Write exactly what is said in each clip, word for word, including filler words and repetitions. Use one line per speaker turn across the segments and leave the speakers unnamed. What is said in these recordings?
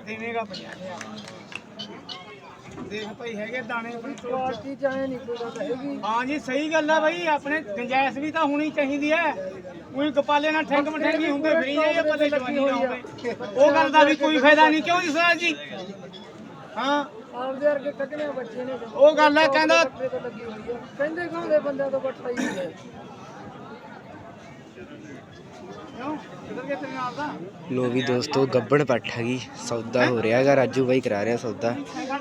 ਦੇਵੇਗਾ ਪੰਜਾਹ ਦੇਖ ਭਾਈ ਹੈਗੇ ਦਾਣੇ ਆਪਣੀ
ਕੁਆਲਿਟੀ ਚਾਹੇ ਨਹੀਂ ਕੋਈ ਗੱਲ ਹੈਗੀ।
ਹਾਂ ਜੀ ਸਹੀ ਗੱਲ ਆ ਬਾਈ ਆਪਣੇ ਗੁੰਜਾਇਸ਼ ਵੀ ਤਾਂ ਹੋਣੀ ਚਾਹੀਦੀ ਹੈ ਕੋਈ ਕਪਾਲੇ ਨਾਲ ਠੰਗ ਮਠੰਗੀ ਹੁੰਦੇ ਫਰੀ ਜਾਈਏ ਪੱਲੇ ਜਵਾਨੀ ਨਾ ਹੋਵੇ ਉਹ ਗੱਲ ਦਾ ਵੀ ਕੋਈ ਫਾਇਦਾ ਨਹੀਂ ਕਿਉਂ ਜੀ ਸਰ ਜੀ ਹਾਂ
ਆਪਦੇ ਵਰਗੇ ਕੱਢਣੇ ਬੱਚੇ ਨੇ
ਉਹ ਗੱਲ ਹੈ ਕਹਿੰਦਾ
ਕਹਿੰਦੇ ਕਹਿੰਦੇ ਬੰਦਿਆਂ ਤੋਂ ਬੱਟਾ ਹੀ ਹੈ
लो भी दोस्तों गब्बड़ पट हैगी सौदा हो रहा है राजू भाई करा रहे सौदा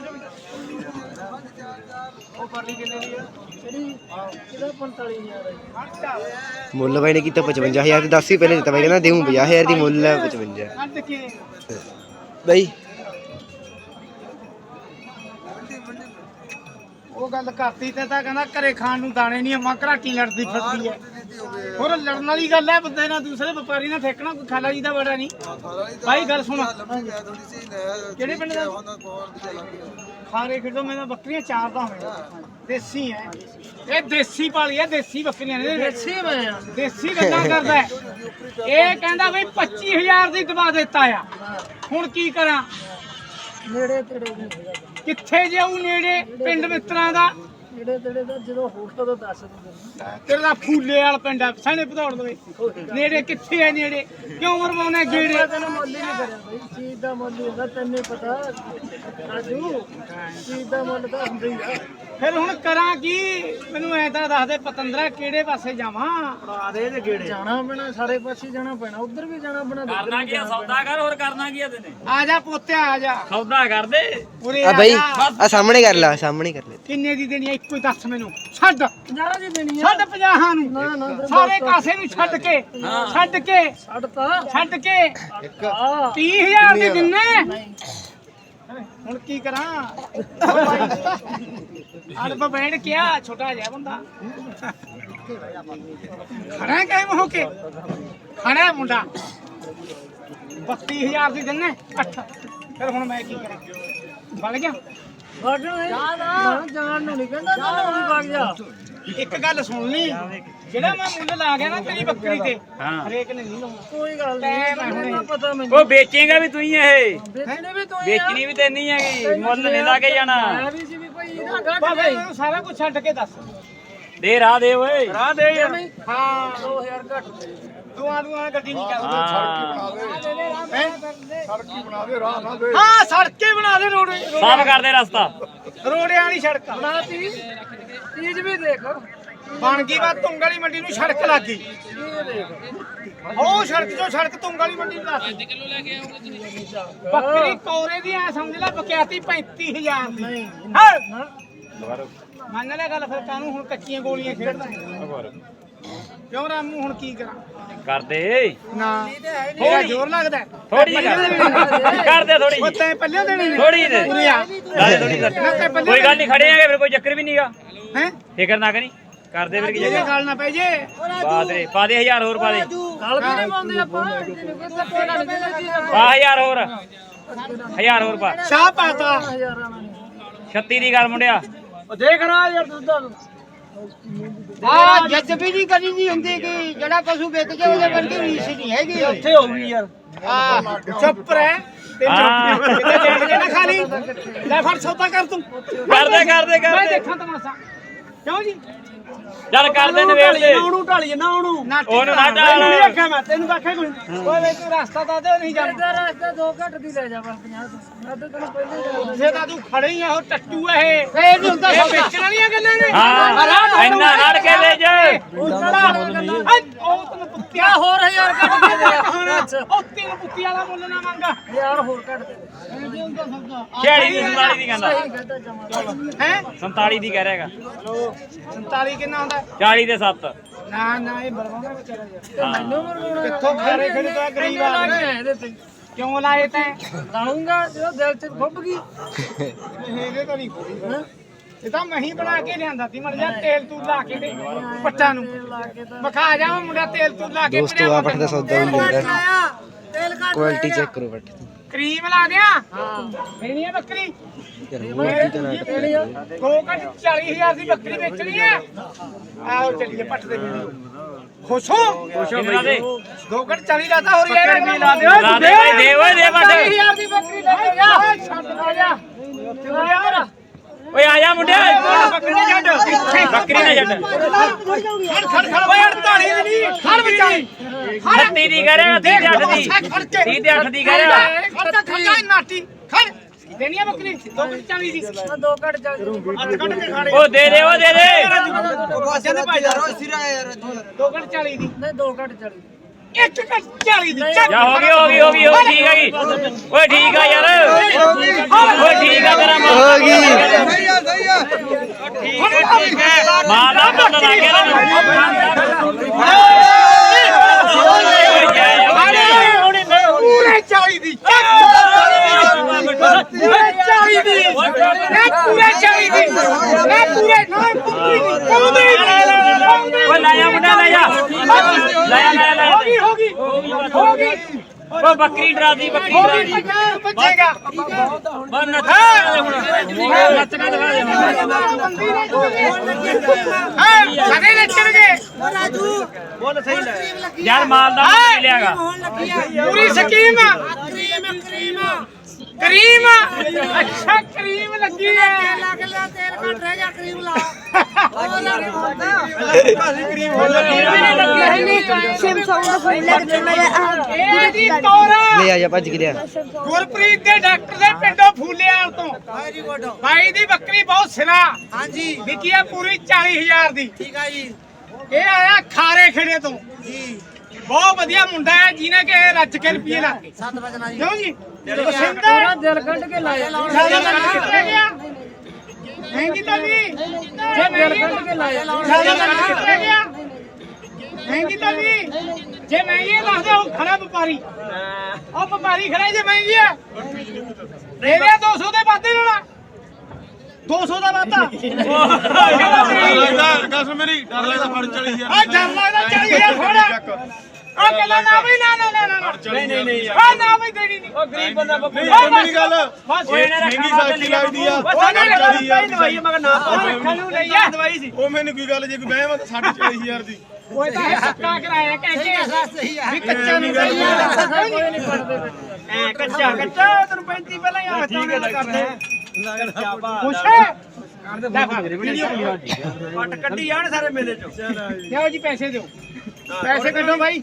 मुल भाई ने किया पचवंजा हज़ार दस ही पहले दिता भाई कहना देऊँ पचास हज़ार की मुल है पचवंजा भाई
ਉਹ ਗੱਲ ਕਰਤੀ ਤੇ ਤਾਂ ਕਹਿੰਦਾ ਘਰੇ ਖਾਣ ਨੂੰ ਦਾਣੇ ਨਹੀਂ ਅੰਮਾ ਘਰਾਟੀ ਲੜਦੀ ਫਿਰਦੀ ਹੈ ਹੋਰ ਲੜਨ ਵਾਲੀ ਗੱਲ ਹੈ ਬੰਦੇ ਨਾਲ ਦੂਸਰੇ ਵਪਾਰੀ ਨਾਲ ਠੇਕਣਾ ਕੋਈ ਖਾਲਾ ਜੀ ਦਾ ਬੜਾ ਨਹੀਂ ਭਾਈ ਗੱਲ ਸੁਣ ਕਿਹੜੇ ਪਿੰਡ ਦਾ ਖਾਰੇ ਖੇਡੋ ਮੈਂ ਤਾਂ ਬੱਕਰੀਆਂ ਚਾਰ ਦਾ ਹੋਵੇਗਾ ਦੇਸੀ ਹੈ ਇਹ ਦੇਸੀ ਪਾਲੀ ਹੈ ਦੇਸੀ ਬੱਕਰੀਆਂ ਨੇ
ਦੇਸੀ ਮੈਂ
ਦੇਸੀ ਗੱਲਾਂ ਕਰਦਾ ਇਹ ਕਹਿੰਦਾ ਬਈ ਪੱਚੀ ਹਜ਼ਾਰ ਦੀ ਦਵਾ ਦਿੱਤਾ ਆ ਹੁਣ ਕੀ ਕਰਾਂ
ਨੇੜੇ ਤੇੜੇ ਨਹੀਂ ਹੈਗਾ
ਕਿੱਥੇ ਜਾਊ ਨੇੜੇ ਪਿੰਡ ਮਿੱਤਰਾਂ ਦਾ
ਨੇੜੇ ਤੇੜੇ ਦਾ ਜਦੋਂ ਹੋਸਟਲ ਤੋਂ ਦੱਸ ਦਿੰਦੇ
ਤੇਰੇ ਦਾ ਫੂਲੇ ਵਾਲ ਪਿੰਡ ਆ ਸਾਨੇ ਭਦੌੜ ਦਵੇ ਨੇੜੇ ਕਿੱਥੇ ਆ ਨੇੜੇ ਕਿਉਂ ਮਰਵਾਉਣਾ ਗੇੜੇ
ਤੈਨੂੰ ਮੁੱਲ ਹੀ ਨਹੀਂ ਕਰਿਆ ਬਈ ਚੀਜ਼ ਦਾ ਮੁੱਲ ਹੁੰਦਾ ਤੈਨੂੰ ਪਤਾ ਰਾਜੂ ਚੀਜ਼ ਦਾ ਮੁੱਲ ਤਾਂ ਹੁੰਦਾ ਹੀ ਆ
ਫਿਰ ਹੁਣ ਕਰਾਂ ਕੀ ਮੈਨੂੰ ਐ ਤਾਂ ਦੱਸ ਦੇ ਪਤੰਦਰਾ ਕਿਹੜੇ ਪਾਸੇ ਜਾਵਾਂ ਆ ਦੇ ਦੇ ਗੇੜੇ
ਜਾਣਾ ਪੈਣਾ ਸਾਰੇ ਪਾਸੇ ਜਾਣਾ ਪੈਣਾ ਉਧਰ ਵੀ ਜਾਣਾ ਪੈਣਾ
ਕਰਨਾ ਕੀ ਆ ਸੌਦਾ ਕਰ ਹੋਰ ਕਰਨਾ ਕੀ ਆ ਤੈਨੇ
ਆ ਜਾ ਪੋਤਿਆ ਆ ਜਾ
ਸੌਦਾ ਕਰ ਦੇ
ਉਰੇ
आ
ਆ
भाई
ਜਾ।
आ सामने कर ला सामने कर ले
ਕਿੰਨੇ ਦੀ ਦੇਣੀ ਆ ਇੱਕੋ ਹੀ ਦੱਸ ਮੈਨੂੰ ਛੱਡ
ਪੰਜਾਹ ਦੀ ਦੇਣੀ ਆ
ਛੱਡ ਪੰਜਾਹਾਂ ਨੂੰ
ਨਾ ਨਾ ਫਿਰ
ਸਾਰੇ ਕਾਸੇ ਨੂੰ ਛੱਡ ਕੇ ਛੱਡ ਕੇ
ਛੱਡ ਤਾ
ਛੱਡ ਕੇ
ਆ
ਤੀਹ ਹਜ਼ਾਰ ਦੇ ਦਿੰਨੇ ਹੁਣ ਕੀ ਕਰਾਂ ਅਰਬ ਬੈਠ ਗਿਆ ਛੋਟਾ ਜਿਹਾ ਬੰਦਾ ਖੜਾ ਕਾਇਮ ਹੋ ਕੇ ਖੜਾ ਮੁੰਡਾ ਬੱਤੀ ਹਜ਼ਾਰ ਦੀ ਦਿੰਨੇ ਅੱਠ ਫਿਰ ਹੁਣ ਮੈਂ ਕੀ ਕਰਾਂ ਬਲ ਗਿਆ
ਵੜ ਨਾ ਜਾਣ ਨੂੰ ਨਹੀਂ ਕਹਿੰਦਾ ਨਾ ਨੂੰ ਵਗ ਜਾ
ਇੱਕ ਗੱਲ ਸੁਣ ਲਈ ਜਿਹੜਾ ਮੈਂ ਮੁੱਲ ਲਾ ਗਿਆ ਨਾ ਤੇਰੀ ਬੱਕਰੀ ਤੇ
ਹਾਂ
ਹਰੇਕ ਨੇ ਨਹੀਂ ਲਾਉਣਾ
ਕੋਈ ਗੱਲ
ਟਾਈਮ ਹੈ
ਨਹੀਂ
ਹੁਣੇ।
ਮੈਨੂੰ ਪਤਾ ਮੈਨੂੰ
ਉਹ ਵੇਚੇਗਾ ਵੀ ਤੂੰ ਹੀ ਇਹ
ਵੇਚਣੇ ਵੀ ਤੂੰ ਹੀ ਆ
ਵੇਚਣੀ ਵੀ ਤੈਨੂੰ ਹੈਗੀ ਮੁੱਲ ਨਹੀਂ ਲਾ ਕੇ ਜਾਣਾ
ਮੈਂ ਵੀ ਸੀ ਵੀ ਭਾਈ ਇਹਦਾ ਘੱਟ
ਬਾਬਾ
ਗਈ
ਮੈਨੂੰ ਸਾਰਾ ਕੁਝ ਛੱਡ ਕੇ ਦੱਸ
ਦੇ ਰਾਹ ਦੇ ਓਏ
ਰਾਹ ਦੇ ਯਾਰ ਹਾਂ
ਦੋ ਹਜ਼ਾਰ ਘੱਟ ਦੇ
ਦੁਆ ਦੁਆ ਗੱਡੀ ਨਹੀਂ ਚੱਲਦੀ
ਹਾਂ
ਸੜਕੀ ਬਣਾ ਦੇ ਰਾਹ ਨਾ ਦੇ ਹਾਂ ਸੜਕੇ ਬਣਾ ਦੇ ਰੋਡ
ਸਾਫ਼ ਕਰ ਦੇ ਰਸਤਾ
ਰੋੜਿਆਂ ਵਾਲੀ ਸੜਕ
ਬਣਾ ਤੀ ਚੀਜ਼ ਵੀ ਦੇਖ
ਬਣ ਗਈ ਵਾ ਤੁੰਗ ਵਾਲੀ ਮੰਡੀ ਨੂੰ ਸੜਕ ਲੱਗ ਗਈ
ਇਹ ਦੇਖ
ਉਹ ਸੜਕ ਤੋਂ ਸੜਕ ਤੁੰਗ ਵਾਲੀ ਮੰਡੀ ਨੂੰ ਲੱਗ ਗਈ ਬੱਕਰੀ ਕੋਰੇ ਦੀ ਐ ਸਮਝ ਲੈ ਬਕਿਆਤੀ ਪੈਂਤੀ ਹਜ਼ਾਰ ਦੀ
ਨਹੀਂ
ਹਾਂ
ਨਾ
ਮੰਨ ਲੈ ਗੱਲ ਫਿਰ ਕਾਨੂੰ ਹੁਣ ਕੱਚੀਆਂ ਗੋਲੀਆਂ ਖੇਡਦਾ ਕਿਉਂ ਰਾਮੂ ਹੁਣ ਕੀ ਕਰਾਂ
ਕਰ ਦੇ
ਨਾ ਮੇਰਾ ਜ਼ੋਰ ਲੱਗਦਾ
ਥੋੜੀ ਕਰ ਦੇ ਥੋੜੀ
ਉਹ ਤੈਂ ਪੱਲਿਆਂ ਦੇਣੀ ਨੇ
ਥੋੜੀ ਦੇ
ਉਰੇ ਆ
ਲਾ ਦੇ ਥੋੜੀ
ਨਾ ਤੈਂ ਪੱਲਿਆਂ
ਕੋਈ ਗੱਲ ਨਹੀਂ ਖੜੇ ਆਂਗੇ ਫਿਰ ਕੋਈ ਚੱਕਰ ਵੀ ਨਹੀਂਗਾ
ਹੈ
ਫਿਕਰ ਨਾ ਕਰੀ ਕਰ ਦੇ ਫਿਰ ਕੀ
ਇਹਦੇ
ਜਗ੍ਹਾ
ਗੱਲ ਨਾ ਪੈ ਜੇ
ਬਾਦ ਰੇ ਪਾ ਦੇ ਹਜ਼ਾਰ ਹੋਰ ਪਾ ਦੇ
ਗੱਲ ਵੀ ਨਹੀਂ ਪਾਉਂਦੇ ਆਪਾਂ ਇਹਨੂੰ ਕੋਈ ਧੱਕੇ ਨਾਲ ਨਹੀਂ ਦਿੰਦੇ ਚੀਜ਼ ਆਪਾਂ
ਪਾ ਹਜ਼ਾਰ ਹੋਰ ਹਜ਼ਾਰ ਹੋਰ ਪਾ
ਸ਼ਾਹ ਪਾਤਾ
ਹਜ਼ਾਰਾਂ ਨਾਲ ਨਹੀਂ
ਛੱਤੀ ਦੀ ਗੱਲ ਮੁੰਡਿਆ
ਉਹ ਦੇਖ ਰਾ ਯਾਰ ਦੁੱਧਾਂ ਨੂੰ
ਆ ਜੱਜਬੀ ਦੀ ਕਰੀ ਨਹੀਂ ਹੁੰਦੀ ਕਿ ਜਿਹੜਾ ਪਸ਼ੂ ਵਿਕ ਜੇ ਉਹਦੇ ਵਰਗੀ ਰੀਸ ਨਹੀਂ ਹੈਗੀ
ਉੱਥੇ ਹੋਊਗੀ ਯਾਰ
ਆ ਚੁੱਪ ਰਹਿ ਤੇ
ਹਾਂ।
ਚੁੱਪ ਕਿਤੇ ਦੇਖ ਕੇ ਨਾ ਖਾਲੀ ਲੈ ਫੜ ਸੌਦਾ ਕਰ ਤੂੰ
ਕਰ ਦੇ ਕਰ ਦੇ ਕਰ
ਮੈਂ
ਦੇ
ਦੇਖਾਂ ਤਮਾਸ਼ਾ ਕਿਉਂ ਜੀ
ਚੱਲ ਕਰ ਦੇ ਨਵੇੜ ਦੇ
ਉਹਨੂੰ ਢਾਲੀਏ ਨਾ ਉਹਨੂੰ
ਨਾ
ਉਹਨੂੰ ਨਾ ਢਾਲ।
ਤੈਨੂੰ ਨਹੀਂ ਆਖਿਆ ਮੈਂ ਤੈਨੂੰ ਆਖਿਆ ਕੋਈ ਓਏ ਵੇ ਤੂੰ ਰਸਤਾ ਤਾਂ ਦੇ ਨਹੀਂ ਜਾਣਾ
ਇਹਦਾ ਰਸਤਾ ਦੋ ਘੱਟ ਦੀ ਲੈ ਜਾ ਬਸ ਪੰਜਾਹ ਤੋਂ ਮੈਂ ਤਾਂ ਤੈਨੂੰ ਪਹਿਲੇ ਹੀ ਦੱਸਦਾ
ਜੇ ਤਾਂ ਤੂੰ ਖੜੇ ਹੀ ਆ ਉਹ ਟੱਟੂ ਆ ਇਹ ਫੇਰ ਨਹੀਂ ਹੁੰਦਾ ਸਭ ਵੇਚਣ ਵਾਲੀਆਂ ਗੱਲਾਂ ਨੇ
ਹਾਂ ਇੰਨਾ ਲੜ ਕੇ ਲੈ ਜਾ
ਉਹ ਤੈਨੂੰ ਪੁੱਤਿਆ
ਹੋਰ ਹਜ਼ਾਰ ਘੱਟ ਦੇ ਦੇ ਅੱਛਾ
ਉਹ ਤੈਨੂੰ ਪੁੱਤੀ ਵਾਲਾ ਮੁੱਲ ਨਾ ਮੰਗਾ
ਯਾਰ ਹੋਰ ਘੱਟ ਦੇ ਦੇ ਇਹ ਹੁੰਦਾ ਸੌਦਾ
ਛਿਆਲੀ ਦੀ ਸੰਤਾਲੀ ਦੀ ਕਹਿੰਦਾ
ਸਹੀ ਕਹਿੰਦਾ ਜਮਾ
ਹੈ
ਸੰਤਾਲੀ ਦੀ ਕਹਿ ਰਿਹਾਗਾ
ਸੰਤਾਲੀ ਕਿੰਨਾ ਹੁੰਦਾ
ਚਾਲੀ ਦੇ ਸੱਤ
ਨਾ ਨਾ ਇਹ ਬਰਵਾਉਣਾ ਵਿਚਾਰਾ ਯਾਰ
ਮੈਨੂੰ ਮਰਵਾਉਣਾ
ਕਿੱਥੋਂ ਖਾਰੇ ਖੜੇ ਤਾਂ ਗਰੀਬ ਆ
ਇਹਦੇ ਤੇ
ਕਿਉਂ ਲਾਏ ਤੈਂ
ਲਾਉਂਗਾ ਜਦੋਂ ਦਿਲ ਚ ਖੁੱਭ ਗਈ
ਇਹਦੇ ਤਾਂ ਨਹੀਂ ਖੋਲੀ ਇਹ ਤਾਂ ਮੈਂ ਹੀ ਬਣਾ ਕੇ ਲਿਆਂਦਾ ਸੀ ਮਰ ਜਾ ਤੇਲ ਤੂੰ ਲਾ ਕੇ ਦੇ ਪੱਟਾਂ ਨੂੰ
ਲਾ ਕੇ ਤਾਂ
ਵਿਖਾ ਜਾ ਮੁੰਡਾ ਤੇਲ ਤੂੰ ਲਾ ਕੇ
दोस्तों आप पट का सौदा भी ले रहा
ਤੇਲ ਘੱਟ
क्वालिटी चेक करो पट
ਕਰੀਮ ਲਾ ਦਿਆਂ
ਹਾਂ
ਲੈਣੀ ਹੈ ਬੱਕਰੀ
यार मूर्ति तो ना
ਦੋ ਘੱਟ ਚਾਲੀ ਹਜ਼ਾਰ ਦੀ ਬੱਕਰੀ ਵੇਚਣੀ ਹੈ ਆਓ ਚੱਲੀਏ ਪੱਟ ਦੇ ਵੀਡੀਓ ਖੁਸ਼ ਹੋ
ਖੁਸ਼ੋ ਬਈ
ਦੋ ਘੱਟ ਚਾਲੀ ਲਾਤਾ ਹੋਰ ਯਾਰ ਲਾ ਦਿਓ
ਲਾ ਦੇ ਭਾਈ ਦੇ ਓਏ ਦੇ ਬੱਟ
ਚਾਲੀ ਹਜ਼ਾਰ ਦੀ ਬੱਕਰੀ ਲੈ ਕੇ ਜਾ
ਜਾ ਮੁੰਡਿਆ ਬੱਕਰੀ ਨਾ ਛੱਡ ਬੱਕਰੀ ਨਾ ਛੱਡ
ਖੜ ਖੜ ਖੜ ਓਏ ਅੜਤਾਲੀ ਦੀ ਨਹੀਂ ਖੜ ਵਿਚਾਈ
ਛੱਤੀ ਦੀ ਕਹਿ ਰਿਹਾ ਤੀਹ ਤੇ ਅੱਠ ਦੀ ਤੀਹ ਤੇ ਅੱਠ ਦੀ ਕਹਿ ਰਿਹਾ
ਖੜਦਾ ਖੜਦਾ ਨਾਟੀ ਖੜ ਦੇਣੀ ਆ ਬੱਕਰੀ ਦੋ ਘੱਟ ਚਾਲੀ ਦੀ
ਦੋ ਘੱਟ ਚੱਲ
ਅੱਠ ਕੱਢ ਕੇ ਖਾੜੇ
ਉਹ ਦੇ ਦੇ ਉਹ ਦੇ ਦੇ
ਬਾਸਿਆਂ ਦੇ ਭਾਈ ਯਾਰ ਦੋ ਘੱਟ ਚਾਲੀ ਦੀ
ਨਹੀਂ ਦੋ ਘੱਟ ਚੱਲ
ਇੱਕ ਘੱਟ ਚਾਲੀ ਦੀ
ਜਾ ਹੋ ਗਈ ਹੋ ਗਈ ਹੋ ਗਈ ਹੋ ਗਈ, ਠੀਕ ਆ ਗਈ ਓਏ ਠੀਕ ਆ ਯਾਰ ਓਏ ਠੀਕ ਆ ਤੇਰਾ ਮਾਲ
ਹੋ ਗਈ
ਮਾਲ ਦਾ ਮੁੱਲ ਲੱਗ ਗਿਆ ਨਾ
ਪੂਰੇ ਚਾਲੀ ਦੀ ਪੂਰੇ ਚਾਲੀ ਦੀ ਨਾ ਪੂਰੇ ਚਾਲੀ ਦੀ ਨਾ ਪੂਰੇ ਨਾ ਪੂਰੀ ਦੀ ਕੌਂਦੇ
ਓਏ ਲੈ ਜਾ ਮੁੰਡਾ ਲੈ ਜਾ ਲੈ ਜਾ ਲੈ
ਹੋ ਗਈ ਹੋ ਗਈ ਹੋ ਗਈ
ਓ ਬੱਕਰੀ ਡਰਾਦੀ ਬੱਕਰੀ
ਹੋ ਗਈ
ਡਰਾਦੀ
ਬੱਚੇਗਾ
ਬਸ ਨੱਚ ਨੱਚਣਾ ਦਿਖਾ ਦੇ
ਹਾਂ ਸਾਡੇ ਨੱਚਣਗੇ
ਯਾਰ ਮਾਲ ਦਾ ਮੁੱਲ ਮਿਲਿਆਗਾ
ਪੂਰੀ ਸਕੀਮ ਕਰੀਮ ਅੱਛਾ ਕਰੀਮ ਲੱਗੀ ਹੈ
ਲੱਗ ਲਿਆ ਤੇਲ ਘੱਟ ਰਹਿ ਗਿਆ ਕਰੀਮ ਲਾ
ਇਹ ਜੀ ਤੋਰਾ
ਲੈ ਆ ਜਾ ਭੱਜ ਕੇ ਲਿਆ
ਗੁਰਪ੍ਰੀਤ ਦੇ ਡਾਕਟਰ ਦੇ ਪਿੰਡੋਂ ਫੂਲਿਆਲ ਤੋਂ ਬਾਈ ਦੀ ਬੱਕਰੀ ਬਹੁਤ ਸਿਰਾ ਹਾਂਜੀ ਵਿਕੀ ਆ ਪੂਰੀ ਚਾਲੀ ਹਜ਼ਾਰ ਦੀ ਠੀਕ ਆ ਜੀ ਇਹ ਆਇਆ ਖਾਰੇ ਖੇੜੇ ਤੋਂ ਜੀ ਬਹੁਤ ਵਧੀਆ ਮੁੰਡਾ ਹੈ ਜਿਹਨੇ ਕਿ ਰੱਜ ਕੇ ਰੁਪਏ ਲਾ ਕੇ ਸੱਤ ਵਜਣਾ ਜੀ ਕਿਉਂ ਜੀ
ਤੇਰਾ ਦਿਲ ਕੱਢ ਕੇ ਲਾਇਆ
ਮਹਿੰਗੀ ਤਾਂ ਨਹੀਂ ਜੇ
ਦਿਲ ਕੱਢ ਕੇ ਲਾਇਆ
ਮਹਿੰਗੀ ਤਾਂ ਨਹੀਂ ਜੇ ਮਹਿੰਗੀ ਹੈ ਦੱਸ ਦੇ ਉਹ ਖੜਾ ਵਪਾਰੀ ਉਹ ਵਪਾਰੀ ਖੜਾ ਜੇ ਮਹਿੰਗੀ ਹੈ ਦੇ ਦੇ ਦੋ ਸੌ ਦੇ ਵਾਧੇ ਨਾਲ ਦੋ ਸੌ ਦਾ ਵਾਧਾ
ਕਸਮ ਮੇਰੀ ਡਰ ਲੱਗਦਾ ਫੜ ਚਲੀ ਯਾਰ
ਆ ਡਰ ਲੱਗਦਾ ਚਾਲੀ ਹਜ਼ਾਰ ਥੋੜਾ ਆ ਕਹਿੰਦਾ ਨਾ ਬਈ ਨਾ ਨਾ ਨਾ ਨਾ
ਨਹੀਂ ਨਹੀਂ ਨਹੀਂ
ਆ ਨਾ ਬਈ ਦੇਣੀ ਨਹੀਂ
ਉਹ ਗਰੀਬ ਬੰਦਾ ਬੱਕਰੀ
ਨਹੀਂ ਮੇਰੀ ਗੱਲ
ਬਸ
ਓਏ ਇਹਨੇ
ਮਹਿੰਗੀ
ਰੱਖਣਾ
ਸਾਖੀ ਲੱਗਦੀ ਆ
ਉਹ ਨਾ
ਚਾਲੀ ਹਜ਼ਾਰ ਦੀ
ਦਵਾਈ ਮਗਰ ਨਾ ਰੱਖਣ ਨੂੰ ਲਈ ਆ ਦਵਾਈ ਸੀ
ਉਹ ਮੈਨੂੰ ਕੀ ਗੱਲ ਜੇ ਕੋਈ ਬਹਿਮ ਤਾਂ ਸਾਢੇ ਚਾਲੀ ਹਜ਼ਾਰ ਦੀ
ਉਹ ਤਾਂ ਪੱਕਾ ਕਰਾਇਆ ਕਹਿੰਦੇ ਵੀ ਕੱਚਾ ਨਹੀਂ
ਕੋਈ ਨਹੀਂ ਪੜਦੇ
ਐ ਕੱਚਾ ਕੱਚਾ ਤੈਨੂੰ ਪੈਂਤੀ ਪਹਿਲਾਂ ਹੀ ਹੱਥਾਂ ਨਾਲ ਕਰਦੇ ਖੁਸ਼ ਹੈ ਲੈ ਫੜ ਵੀਡੀਓ ਪੱਟ ਕੱਢੀ ਜਾਣ ਸਾਰੇ ਮੇਲੇ ਚੋਂ ਲਿਆਓ ਜੀ ਪੈਸੇ ਦਿਓ ਪੈਸੇ ਕੱਢੋ ਭਾਈ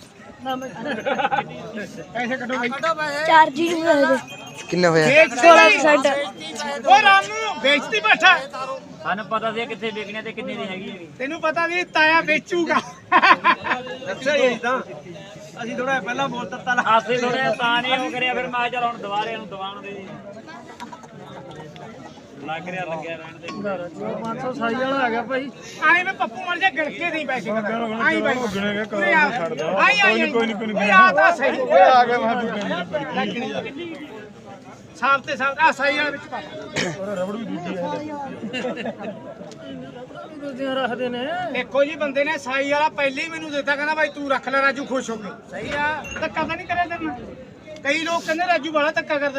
ਪੈਸੇ ਕੱਢੋ ਭਾਈ
ਚਾਰ ਜੀ ਨੂੰ ਦੇ ਦੇ
ਕਿੰਨਾ ਹੋਇਆ
ਵੇਚ
ਸੋਲਾਂ percent
ਉਹ ਰਾਮੂ ਵੇਚਦੀ ਬੈਠਾ
ਸਾਨੂੰ ਪਤਾ ਸੀ ਕਿੱਥੇ ਵਿਕਣੇ ਤੇ ਕਿੰਨੇ ਦੀ ਹੈਗੀ ਹੈਗੀ
ਤੈਨੂੰ ਪਤਾ ਨਹੀਂ ਤਾਇਆ ਵੇਚੂਗਾ
ਅੱਛਾ ਜੀ ਤਾਂ ਅਸੀਂ ਥੋੜਾ ਪਹਿਲਾਂ ਬੋਲ ਦਿੱਤਾ
ਆਸੇ ਥੋੜੇ ਤਾਂ ਨਹੀਂ ਉਹ ਕਰਿਆ ਫਿਰ ਮੈਂ ਚਲ ਹੁਣ ਦੁਬਾਰੇ ਨੂੰ ਦਵਾਉਣ ਦੇ ਜੀ ਲੱਗ ਰਿਹਾ ਲੱਗਿਆ ਰਹਿਣ ਦੇ
ਪੰਜ ਸੌ ਸਾਈ ਵਾਲਾ ਆ ਗਿਆ ਭਾਈ
ਆਏ ਮੈਂ ਪੱਪੂ ਮਰ ਜਾ ਗੜਕੇ ਨਹੀਂ ਪੈਸੇ ਆਈ ਬਾਈ
ਗਿਣੇਗੇ
ਉਰੇ ਆ।
ਛੱਡ ਦੋ
ਆਈ ਆਈ
ਕੋਈ ਨਹੀਂ ਕੋਈ ਨਹੀਂ
ਓਏ ਆ ਤਾਂ ਸਹੀ
ਓਏ ਆ ਗਿਆ ਮੈਂ ਤੂੰ
ਸਾਲ ਤੇ ਸਾਲ ਆ ਸਹੀ ਵਾਲੇ ਵਿੱਚ ਪਾ
ਰਬੜ ਵੀ ਦੂਜੀ ਹੈ
ਦੂਜੀਆਂ ਰੱਖਦੇ ਨੇ
ਦੇਖੋ ਜੀ ਬੰਦੇ ਨੇ ਸਾਈ ਵਾਲਾ ਪਹਿਲੇ ਹੀ ਮੈਨੂੰ ਦਿੱਤਾ ਕਹਿੰਦਾ ਭਾਈ ਤੂੰ ਰੱਖ ਲੈ ਰਾਜੂ ਖੁਸ਼ ਹੋ ਕੇ ਸਹੀ ਆ ਧੱਕਾ ਤਾਂ ਨਹੀਂ ਕਰਿਆ ਤੈਨੂੰ ਕਈ ਲੋਕ ਕਹਿੰਦੇ ਰਾਜੂ ਵਾਲਾ ਧੱਕਾ ਕਰਦਾ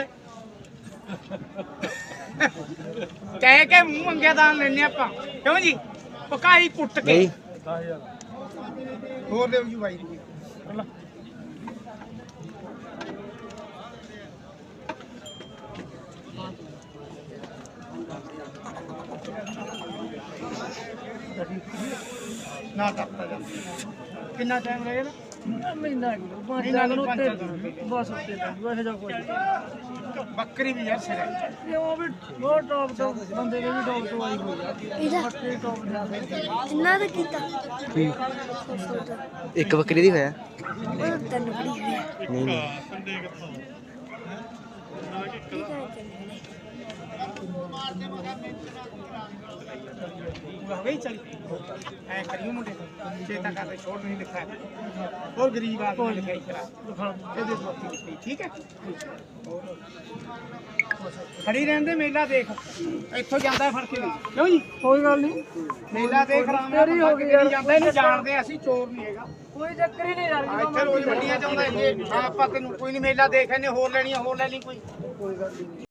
ਕਹਿ ਕੇ ਮੂੰਹ ਮੰਗਿਆ ਦਾਨ ਲੈਣੇ ਆਪਾਂ ਕਿਉਂ ਜੀ ਪਕਾਈ ਕੁੱਟ ਕੇ
ਨਹੀਂ
ਹੋਰ ਦੇਵ ਜੀ ਭਾਈ ਨਾ ਟੱਪਦਾ ਜਾ ਕਿੰਨਾ ਟਾਈਮ ਰਹੇਗਾ
ਮਹੀਨਾ ਕਿਲੋ ਪੰਜ ਲੱਖ ਨੂੰ ਉੱਤੇ ਬਸ ਉੱਤੇ ਵੈਸੇ ਜਾ ਕੋਈ
ਬੱਕਰੀ ਵੀ ਯਾਰ ਸਿਰ ਹੈ
ਇਹ ਉਹ ਵੀ ਬਹੁਤ ਟੌਪ ਤੋਂ ਬੰਦੇ ਦੇ ਵੀ ਟੌਪ ਤੋਂ ਆਈ ਹੋਈ ਆ
ਇਹਦਾ
ਬੱਕਰੀ ਟੌਪ ਦਾ
ਕਿੰਨਾ ਦਾ ਕੀਤਾ
ਇੱਕ ਬੱਕਰੀ ਦੀ ਹੋਇਆ
ਉਹ ਤੈਨੂੰ ਬੜੀ ਹੋਇਆ
ਨਹੀਂ ਨਹੀਂ
ਹੋ ਗਈ ਚਲੀ ਐ ਕਰਿਓ ਮੁੰਡੇ ਚੇਤਾ ਕਰਦੇ ਛੋੜ ਨਹੀਂ ਲਿਖਾ ਹੋਰ ਗਰੀਬ ਆਦਮੀ ਲਿਖਾਈ ਕਰਾ ਇਹਦੇ ਦੋਸਤੀ ਲਿਖੀ ਠੀਕ ਹੈ ਖੜੀ ਰਹਿਣ ਦੇ ਮੇਲਾ ਦੇਖ ਇੱਥੋਂ ਜਾਂਦਾ ਫੜ ਕੇ ਕਿਉਂ ਜੀ
ਕੋਈ ਗੱਲ ਨਹੀਂ
ਮੇਲਾ ਦੇਖ ਰਾਮ
ਤੇਰੀ ਹੋ ਗਈ ਯਾਰ।
ਜਾਂਦਾ ਇਹਨੂੰ ਜਾਣਦੇ ਅਸੀਂ ਚੋਰ ਨਹੀਂ ਹੈਗਾ
ਕੋਈ ਚੱਕਰ ਹੀ ਨਹੀਂ ਯਾਰ
ਆ ਇੱਥੇ ਰੋਜ਼ ਮੰਡੀਆਂ ਚ ਆਉਂਦਾ ਇੱਥੇ ਆਪਾਂ ਤੈਨੂੰ ਕੋਈ ਨਹੀਂ ਮੇਲਾ ਦੇਖ ਇਹਨੇ ਹੋਰ ਲੈਣੀਆਂ ਹੋਰ ਲੈ ਲਈ ਕੋਈ
ਕੋਈ ਗੱਲ ਨਹੀਂ